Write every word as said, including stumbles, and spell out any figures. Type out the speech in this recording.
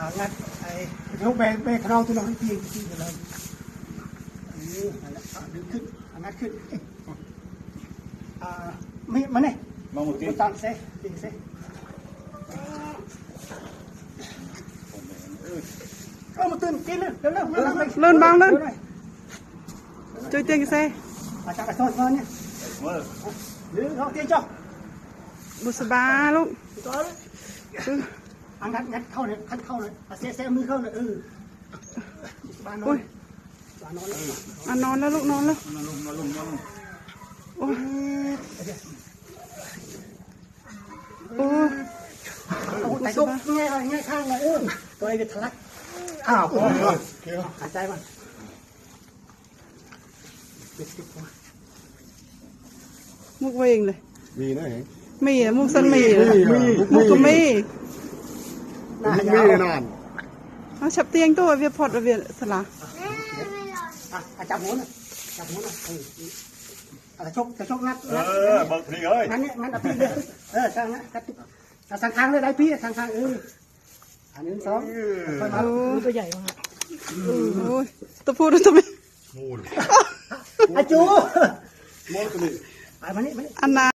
งัดไอ้ลูกแบกแบกขนองตัวน้องที่ที่ที่เลยนี่ดึงขึ้นงัดขึ้นอ่าไม่มาเนี่ยมาหมดที่ตั้งเซ่ตีเซ่เออมาตื่นกินเลยเร็วเร็วเลื่อนบางเลื่อนช่วยเตียงเซ่อาจารย์กระโดดเงินเนี่ยหรือเราเตียงจ้ะบุษบาลูกอันงัดงัดเข้าเลยขั้นเข้าเลยเซ่เซ่มือเข้าเลยเออบ้านนอนบ้านนอนแล้วอ่ะนอนแล้วลูกนอนแล้วนอนลงนอนลงนอนลงโอ้โอ้แต่ซุกง่ายง่ายข้างเลยเออตัวไอ้เวทลักอ้าวหายใจมันมุกเวงเลยมีนะเห็นมีอะมุกสันมีมุกก็มีมีแน่นอนเอาฉับเตียงตัวเวียพอดเวียสละอ่ะจับหัวน่ะจับหัวน่ะเอออะไรชกจะชกงัดเออบอกพี่เอ้ยงั้นเนี่ยงั้นเอาพี่เลยเออทางนั้นทางทางเลยได้พี่ทางทางเอออันนี้สองตัวใหญ่มากโอ้ยตัวพูดตัวไม่มูลอาจูมูลตัวนี้อันนา